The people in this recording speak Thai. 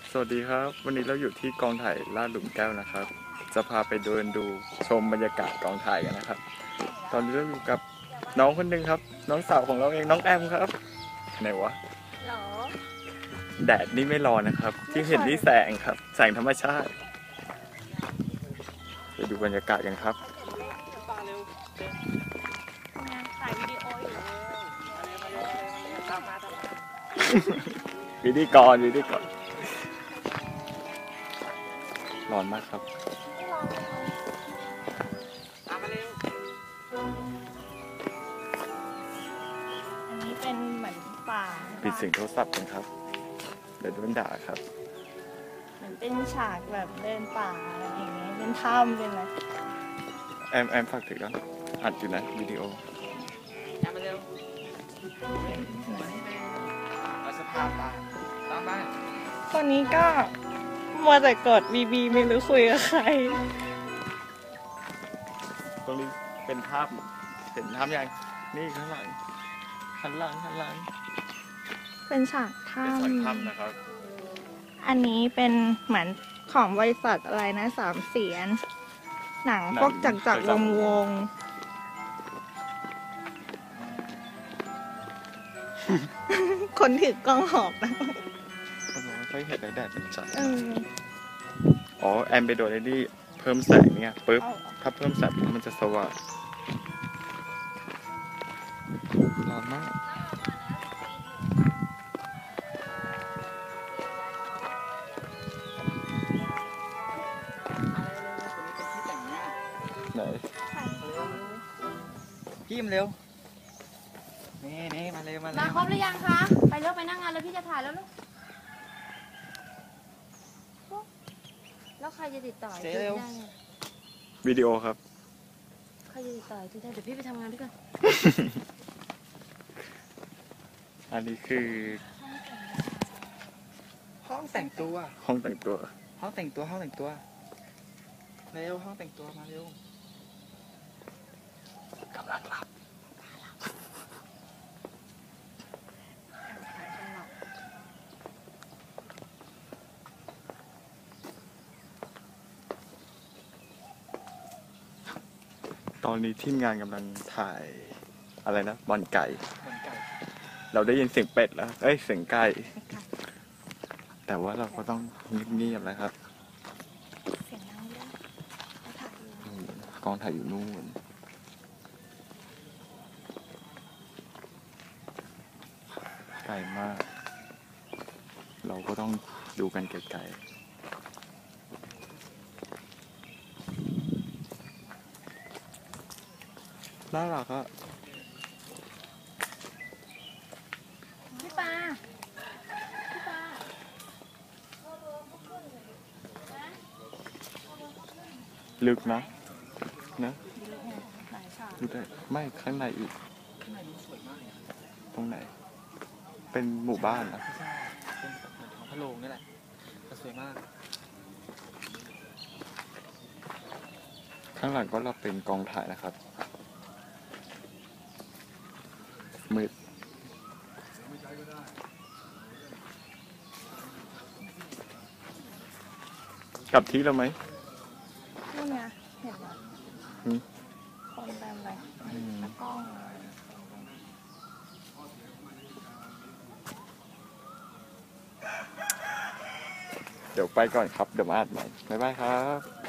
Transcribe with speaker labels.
Speaker 1: สวัสดีครับวันนี้เราอยู่ที่กองถ่ายลาดหลุมแก้วนะครับจะพาไปเดินดูชมบรรยากาศกองถ่ายกันนะครับตอนนี้เราอยู่กับน้องคนหนึ่งครับน้องสาวของเราเองน้องแอมครับไหนวะ
Speaker 2: หรอ
Speaker 1: แดดนี่ไม่ร้อนนะครับที่เห็นนี่แสงครับแสงธรรมชาติไปดูบรรยากาศกันครับ
Speaker 2: ถ่ายวิดีโออยู่
Speaker 1: วิธีกรร้อนมากครับ
Speaker 2: อันนี้เป็นเหมือนป่า
Speaker 1: ปิดเสียงโทรศัพท์กันครับเดี๋ยวโดนด่าครับ
Speaker 2: เหมือนเป็นฉากแบบเดินป่าอะไรอย่างเงี้ยเป็นถ้ำเป็นอะไร
Speaker 1: แอมฝากถือกันอัดอยู่นะวิดีโอ
Speaker 3: มาเร็วเอาสภาพบ้านตามบ้าน
Speaker 2: คนนี้ก็มัวแต่กดบีไม่รู้คุยกับใคร
Speaker 1: ตรงนี้เป็นภาพเห็นภาพยังนี่ข้างหลังหันหลัง
Speaker 2: เป็นฉากถ้
Speaker 1: เป็นฉากถ้ำนะครับ
Speaker 2: อันนี้เป็นเหมือนของบริษัทอะไรนะสามเสียนหนังพวกจักรวงคนถือกล้องหอบนะ
Speaker 1: ไม่ค่อยเห็นแดดเป็นจัดอ๋อแอมไปโดนไอ้นี่เพิ่มแสงเนี่ยปึ๊บถ้าเพิ่มแสงมันจะสว่างร้อนมากไหน
Speaker 3: พี่มาเร็วนี่มาเร็ว
Speaker 4: มาครบหรือยังคะไปเร็วไปนั่งงานแล้วพี่จะถ่ายแล้วลูกแล้วใครจะติดต่อที่ได้เนี่ย
Speaker 1: วิดีโอครับ
Speaker 4: ใครจะติดต่อที่ได้เดี๋ยวพี่ไปทำงานด้วยกัน
Speaker 1: อันนี้คือ
Speaker 3: ห้องแต่งตัว
Speaker 1: เร็ว
Speaker 3: ห้องแต่งตัวมาเร็ว
Speaker 1: กำลังหลับตอนนี้ทีมงานกำลังถ่ายอะไรนะบอลไก่เราได้ยินเสียงเป็ดแล้วเสียงไก่แต่ว่าเราก็ต้องเงียบๆนะครับ
Speaker 2: เสียงดังด้วย
Speaker 1: กองถ่ายอยู่นู่นไกลมากเราก็ต้องดูกันไกลๆน่ารักอะ
Speaker 4: พี่ปา
Speaker 1: ลึกนะดูได้ไม่ข้างในอีกตรงไหนเป็นหมู่บ้านนะ
Speaker 3: เป็นของพะโลงนี่แหละสวยมาก
Speaker 1: ข้างหลังก็เราเป็นกองถ่ายนะครับมืดกลับที่เราไหม
Speaker 2: นี่ไงเห็นไหมคนเต็มเลยกล้อง
Speaker 1: เดี๋ยวไปก่อนครับเดี๋ยวมาอัดใหม่บ๊ายบายครับ